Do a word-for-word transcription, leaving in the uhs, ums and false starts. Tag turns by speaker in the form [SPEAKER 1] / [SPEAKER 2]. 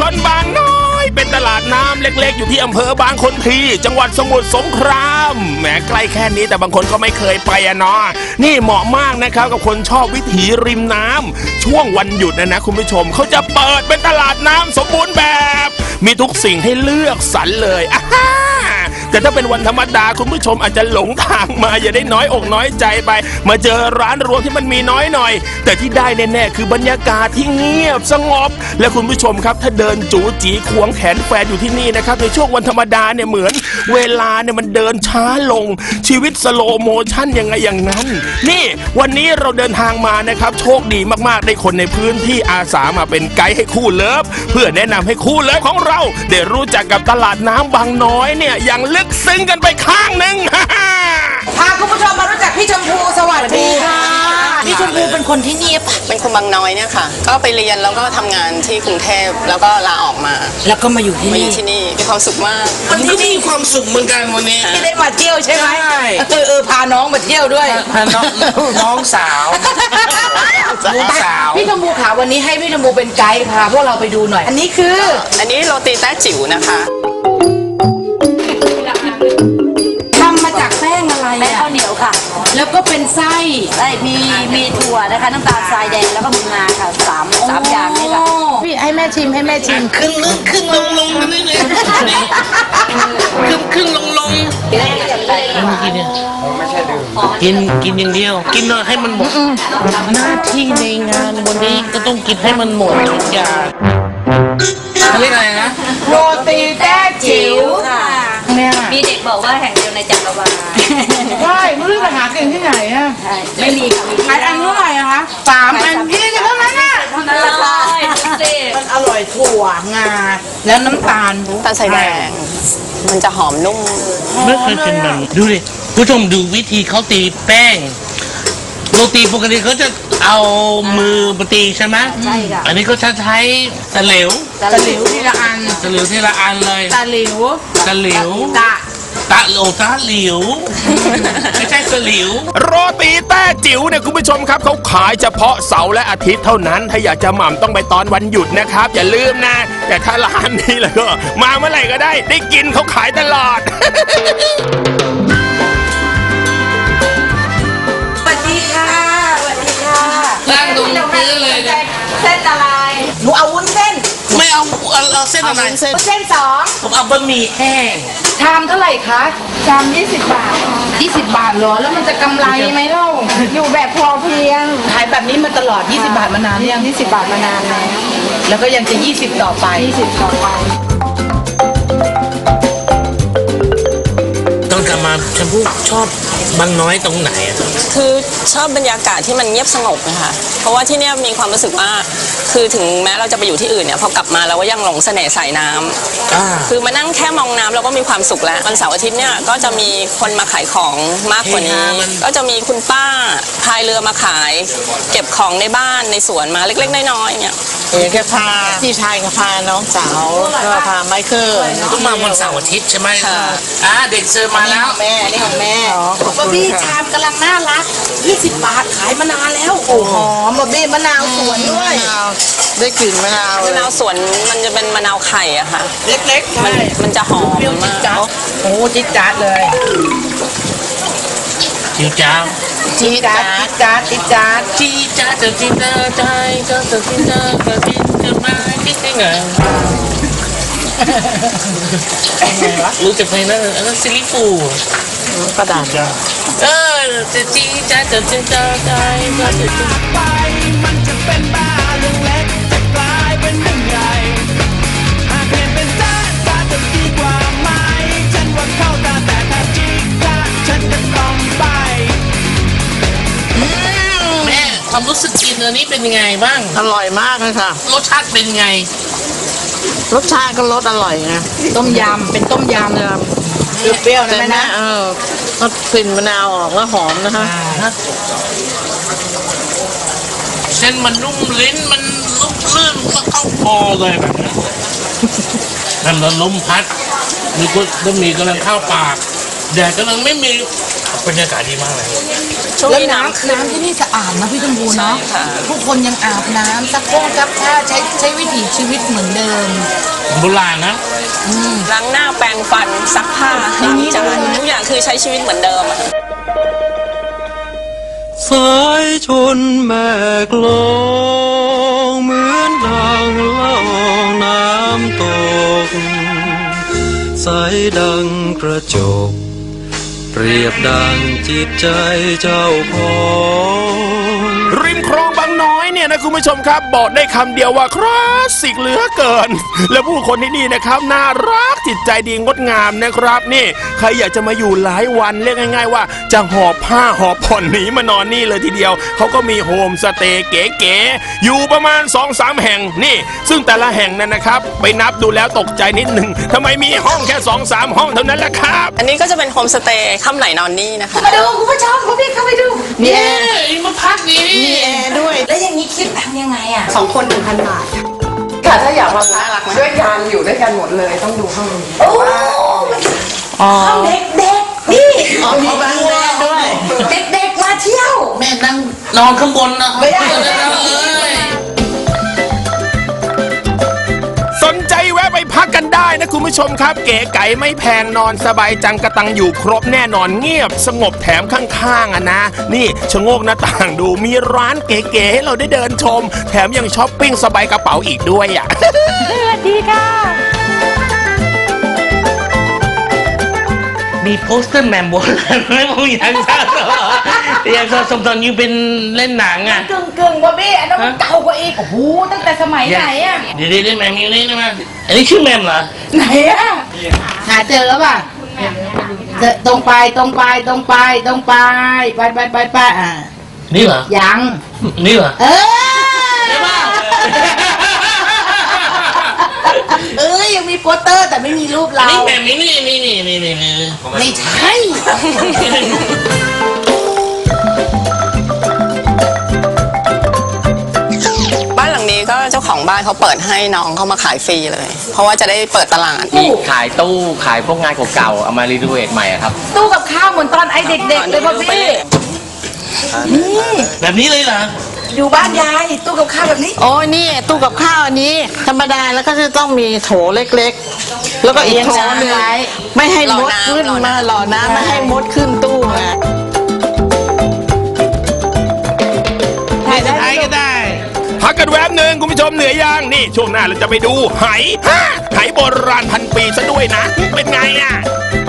[SPEAKER 1] นบางน้อยเป็นตลาดน้ำเล็กๆอยู่ที่อำเภอบางคนทีจังหวัดสมุทรสงครามแหมใกล้แค่นี้แต่บางคนก็ไม่เคยไปอะเนาะนี่เหมาะมากนะครับกับคนชอบวิถีริมน้ำช่วงวันหยุดนะนะคุณผู้ชมเขาจะเปิดเป็นตลาดน้ำสมบูรณ์แบบมีทุกสิ่งให้เลือกสรรเลยอ่าแต่ถ้าเป็นวันธรรมดาคุณผู้ชมอาจจะหลงทางมาอย่าได้น้อยอกน้อยใจไปมาเจอร้านรวงที่มันมีน้อยหน่อยแต่ที่ได้แน่ๆคือบรรยากาศที่เงียบสงบและคุณผู้ชมครับถ้าเดินจู๋จีควงแขนแฟนอยู่ที่นี่นะครับในช่วงวันธรรมดาเนี่ยเหมือนเวลาเนี่ยมันเดินช้าลงชีวิตสโลโมชั่นยังไงอย่างนั้นนี่วันนี้เราเดินทางมานะครับโชคดีมากๆได้คนในพื้นที่อาสามาเป็นไกด์ให้คู่เลิฟเพื่อแนะนำให้คู่เลิฟของเราได้รู้จักกับตลาดน้ำบางน้อยเนี่ยอย่างลึกซึ้งกันไปข้างหนึ่ง
[SPEAKER 2] พาคุณผู้ชมมารู้จักพี่ชมพูสวัสดีค่ะพี่ชมพูเป็นคนที่นี่ปะ
[SPEAKER 3] เป็นคนบางน้อยเนี่ยค่ะก็ไปเรียนแล้วก็ทำงานที่กรุงเทพแล้วก็ลาออกมา
[SPEAKER 2] แล้วก็มาอยู่ที่นี่
[SPEAKER 3] มาอยู่ที่นี่มีความสุขมาก
[SPEAKER 4] มันก็มีความสุขเหมือนกันวันนี้
[SPEAKER 2] ที่ได้มาเที่ยวใช่ไหมเออเออพาน้องมาเที่ยวด้วย
[SPEAKER 4] พาน้องน้องสาวลูกสาว
[SPEAKER 2] พี่ชมพูขาวันนี้ให้พี่ชมพูเป็นไกด์พาพวกเราไปดูหน่อยอันนี้คือ
[SPEAKER 3] อันนี้โรตีแต้จิ๋วนะคะ
[SPEAKER 2] ทำมาจากแป้งอะไร
[SPEAKER 5] แป้งข้าวเหนียวค่ะ
[SPEAKER 2] แล้วก็เป็นไส้
[SPEAKER 5] ไส้มีมีถั่วนะคะน้ำตาลทรายแดงแล้วก็มีงาค่ะสามสามอย่างนี้ค่ะ
[SPEAKER 2] พี่ให้แม่ชิมให้แม่ชิม
[SPEAKER 4] ขึ้นลึกขึ้นลงลงกันนี่เลยขึ้นขึ้นลงลงกินเนี่ยกินกินอย่างเดียวกินให้มันหมดหน้าที่ในงานวันนี้ก็ต้องกินให้มันหมดทุกอย่างเรียกอะไรนะ
[SPEAKER 2] โรตีแต้จิ๋วค่ะ
[SPEAKER 5] มีเด็กบอกว่าแห่งเดียวในจักรวาล
[SPEAKER 2] ใช่ไม่รู้จะหากินที่ไหนอ่ะ
[SPEAKER 5] ไม่มีค่ะ
[SPEAKER 2] ขายอันเท่าไหร่อะคะสามอันยี่สิบเท่านั้นน่ะ
[SPEAKER 5] เท่านั้นละค่ะ
[SPEAKER 2] มันอร่อยถั่วงาแล้วน้ำตาล
[SPEAKER 3] ตาลใส่แดงมันจะหอมนุ่ม
[SPEAKER 4] ไม่เคยกินแบบดูดิผู้ชมดูวิธีเขาตีแป้งโรตีปกติเขาจะเอามือปตีใช่ไหม
[SPEAKER 5] ใช่ค่ะ
[SPEAKER 4] อันนี้ก็จะใช้ตะหลิว
[SPEAKER 2] ตะหลิวทีละอัน
[SPEAKER 4] ตะหลิวทีละอันเลย
[SPEAKER 2] ตะหลิว
[SPEAKER 4] ตะหลิว
[SPEAKER 2] ตะ
[SPEAKER 4] ตะโอตะหลิวไม่ใช่ตะหลิว
[SPEAKER 1] โรตีแต้จิ๋วเนี่ยคุณผู้ชมครับเขาขายเฉพาะเสาร์และอาทิตย์เท่านั้นถ้าอยากจะหม่ำต้องไปตอนวันหยุดนะครับอย่าลืมนะแต่ถ้าร้านนี้แล้วก็มาเมื่อไหร่ก็ได้ได้กินเขาขายตลอด
[SPEAKER 4] นั่งดูพื้นเลย
[SPEAKER 2] เส้นอะไรหนูเอาวุ้นเส้น
[SPEAKER 4] ไม่เอาเอาเส้นอะไร
[SPEAKER 2] เส้นเส้นสอง
[SPEAKER 4] ผมเอาบะหมี่แห้ง
[SPEAKER 2] ชามเท่าไหร่คะชามยี่สิบบาทยี่สิบบาทเหรอแล้วมันจะกำไรไหมเล่าอยู่แบบพอเพียงขายแบบนี้มาตลอดยี่สิบบาทมานานยังยี่สิบบาทมานานแล้วแล้วก็ยังจะยี่สิบต่อไปยี่สิบต่อไป
[SPEAKER 4] ต้องกลับมาชมพู่ชอบบางน้อยตรงไหน
[SPEAKER 3] คือชอบบรรยากาศที่มันเงียบสงบนะคะเพราะว่าที่นี่มีความรู้สึกว่าคือถึงแม้เราจะไปอยู่ที่อื่นเนี่ยพอกลับมาเราก็ยังหลงเสน่ห์สายน้ำคือมานั่งแค่มองน้ำเราก็มีความสุขแล้ววันเสาร์อาทิตย์เนี่ยก็จะมีคนมาขายของมากกว่านี้ก็จะมีคุณป้าพายเรือมาขายเก็บของในบ้านในสวนมาเล็กๆน้อยๆเนี่ย
[SPEAKER 4] อย่างแค่พาพี่ชายกับพาน้องสาวก็พาไมเคิลต้องมาวันเสาร์อาทิตย์ใช่ไหมอ่าเด็กเสิร์ฟมาแล้ว
[SPEAKER 2] แม่นี่ของแม่บอบบี้ชามกำลังน่ารักยี่สิบบาทขายมานานแล้วโอ้หอมบอบบี้มะนาวสวนด้วย
[SPEAKER 4] ได้กลิ่นมะนาว
[SPEAKER 3] มะนาวสวนมันจะเป็นมะนาวไข่อะค่ะ
[SPEAKER 2] เล็กๆ
[SPEAKER 3] มันมันจะหอมมาก
[SPEAKER 2] โอ้จิ๊ดจ๊าดเลย
[SPEAKER 4] จิ๊ดจ๊าด
[SPEAKER 2] จิ๊ดจ๊าดจ๊าดจิ๊ดจ๊าด
[SPEAKER 4] จิ๊ดจ๊าดจะจิ๊ดจ๊าดใจจะจะจิ๊ดจ๊าดจะจิ๊ดจะมาจิ๊ดได้ไงรู้จักเพลงนั้นอันนั้นซิลิฟู
[SPEAKER 2] กระดาษจ้ะ
[SPEAKER 4] เออจะจีจะจะจะจะใจจะจะไปมันจะเป็นบ้าเรื่องเล็กจะกลายเป็นเรื่องใหญ่หากเปลี่ยนเป็นจ้าจ้าจะดีกว่าไหมฉันว่าเข้าตาแต่ถ้าจีจ้าฉันจะต้องไปแม่ความรู้สึกกินอันนี้เป็นยังไงบ้าง
[SPEAKER 2] อร่อยมากเลยค่ะ
[SPEAKER 4] รสชาติเป็นไง
[SPEAKER 2] รสชาติก็รสอร่อยนะต้มยำเป็นต้มยำเลยเปรี้ยวๆนะแม่นะเออก็กลิ่นมะนาวออกแล้วหอมนะคะ
[SPEAKER 4] เส้นมันนุ่มลิ้นมันนุ่มลื่นก็เข้าคอเลยแบบนี้น้ำลมพัดมีก็มีกำลังเข้าปากแดดกำลังไม่มีบรรยากาศดีมากเลย
[SPEAKER 3] ช่วง
[SPEAKER 2] แล้ว
[SPEAKER 3] นี้
[SPEAKER 2] น้ำ
[SPEAKER 3] น้ำขึ้น
[SPEAKER 2] น้ำที่นี่สะอาดนะพี่ชมพูเนาะ
[SPEAKER 3] ใช่ค่ะ
[SPEAKER 2] ผู้คนยังอาบน้ำซักโครกซักผ้าใช้ใช้วิถีชีวิตเหมือนเดิม
[SPEAKER 4] โบราณนะ
[SPEAKER 3] ล้างหน้าแปรงฟันซักผ้าล้างจานทุกอย่างคือใช้ชีวิตเหมือนเดิมอะค่ะ
[SPEAKER 6] สายชนแม่กลองเหมือนดังล่องน้ำตกใสดังกระจกเปรียบดังจิตใจเจ้าของ
[SPEAKER 1] ริมคลองบางน้อยเนี่ยนะคุณผู้ชมครับบอกได้คำเดียวว่าคลาสสิกเหลือเกิน และผู้คนที่นี่นะครับน่ารักจิตใจดีงดงามนะครับนี่ใครอยากจะมาอยู่หลายวันเรียกง่ายๆว่าจะหอบผ้าหอบผ่อนหนีมานอนนี่เลยทีเดียวเขาก็มีโฮมสเตย์เก๋ๆอยู่ประมาณ สองสาม แห่งนี่ซึ่งแต่ละแห่งนั้นนะครับไปนับดูแล้วตกใจนิดหนึ่งทำไมมีห้องแค่ สองสาม ห้องเท่านั้นล่ะครับ
[SPEAKER 3] อันนี้ก็จะเป็นโฮมสเตย์ค่ำไหนนอนนี่นะคะ
[SPEAKER 2] มาดูคุณผู้ชมคุณพี่เข้าไปดูมีแอร์
[SPEAKER 4] เอ้ยมาพักดี
[SPEAKER 2] มีแอร์ด้วย แล้วอย่างนี้คิดยังไงอ่ะ
[SPEAKER 7] สองคนหนึ่งพันบาทค่ะถ้าอยากมาด้วยกันอยู่ด้วยกันหมดเลยต้องดูห้องนี้
[SPEAKER 2] โอ้ห้องเด็กเด็กๆนี่
[SPEAKER 4] อ๋อมีบ้านแม่ด้วย
[SPEAKER 2] เด็กเด็กๆมาเที่ยว
[SPEAKER 4] แม่นั่งนอนข้างบนนะครับ
[SPEAKER 2] ไม่ได้
[SPEAKER 4] เอ้ย
[SPEAKER 1] สนใจแวะไปพักกันได้นะคุณผู้ชมครับเก๋ไก๋ไม่แพงนอนสบายจังกระตังอยู่ครบแน่นอนเงียบสงบแถมข้างๆอ่ะนะนี่ชะโงกหน้าต่างดูมีร้านเก๋ๆให้เราได้เดินชม แถมยังช้อปปิ้งสบายกระเป๋าอีกด้วยอ่ะ
[SPEAKER 4] มีโปสเตอร์แมมโบราณไหมผมอยากทราบอยากทราบสมตอนอยู่เป็นเล่นหนังอ่ะ
[SPEAKER 2] กึ่งกึ่งว่าพี่อันนั้นมันเก่ากว่าอีก โอ้โห ตั้งแต่สมัยไหนอ่ะ
[SPEAKER 4] เดี๋ยวเดี๋ยวแมมอยู่นี่นะอันนี้ชื่อแมมเหรอ
[SPEAKER 2] ไหนอ่ะ หาเจอแล้วป่ะเจอตรงไปตรงไปตรงไปตรงไปไปไปไปไปอ่ะ
[SPEAKER 4] นี่เหรอ
[SPEAKER 2] ยัง
[SPEAKER 4] นี่เหรอ
[SPEAKER 2] เออ
[SPEAKER 4] ใช่ป่ะ
[SPEAKER 2] เอ้ยยังมีโปสเตอร์แต่ไม่มีรูปเรา
[SPEAKER 4] นี่แมมนี่นี่นี่นี่นี่นี่นี่
[SPEAKER 2] ไม่ใช่
[SPEAKER 3] บ้านหลังนี้ก็เจ้าของบ้านเขาเปิดให้น้องเขามาขายฟรีเลย เพราะว่าจะได้เปิดตลาด
[SPEAKER 8] มีขายตู้ขายพวกงานเก่าๆเอามารีโนเวทใหม่อะครับ
[SPEAKER 2] ตู้กับข้าวเหมือนตอนไอเด็กๆเลยพ่อพี่ นี่
[SPEAKER 4] แบบนี้เลยเหรอ
[SPEAKER 2] อยู่บ้านยายตู้กับข้าวแบบนี้
[SPEAKER 9] โอ้ยนี่ตู้กับข้าวอันนี้ ธรรมดาแล้วก็จะต้องมีโถเล็กๆ แล้วก็อีกโถหนึงไม่ให้มดขึ้นมาหล่อน้ำไม่ให้มดขึ้นตู้ไง
[SPEAKER 4] ไม่จะถ่ายก็ได้
[SPEAKER 1] พักกันแวบหนึ่งคุณผู้ชมเหนื่อยยังนี่ช่วงหน้าเราจะไปดูไหฮะไหโบราณพันปีซะด้วยนะ เป็นไงอ่ะ